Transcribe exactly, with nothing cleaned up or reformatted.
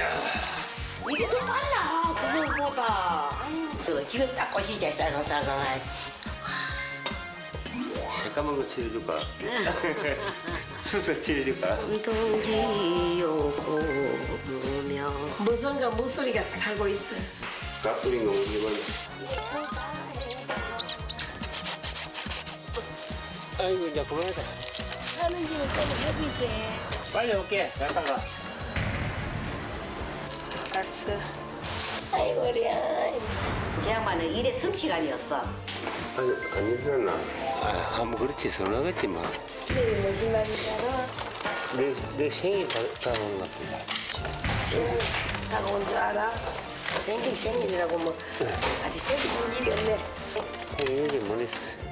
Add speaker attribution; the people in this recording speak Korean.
Speaker 1: 이게 더 빨라 그거보다. 아유, 지금 딱 꽃이지 쌀쌀쌀.
Speaker 2: 새까만 거 칠해줄까? 수술 칠해줄까?
Speaker 1: 동지요 보며 무슨가 목소리가 살고 있어.
Speaker 2: 가쁘린 거 이건. 아이고 이제 그만하자.
Speaker 1: 하는 집은 좀 해주지.
Speaker 2: 빨리 올게. 잠깐 가.
Speaker 1: 갔어. 아이고리야. 제 양반은 일에 성취가 아니었어.
Speaker 2: 아니 안 일어났나? 아, 뭐 그렇지 서운하겠지 뭐.
Speaker 1: 내일 무슨 날인지 알아?
Speaker 2: 내, 내 생일 다, 다가온 것 같은데.
Speaker 1: 생일 다가온 줄 알아? 생긴 생일이라고 뭐 아직 생기신 일이 없네.
Speaker 2: 생일이 뭐 있어?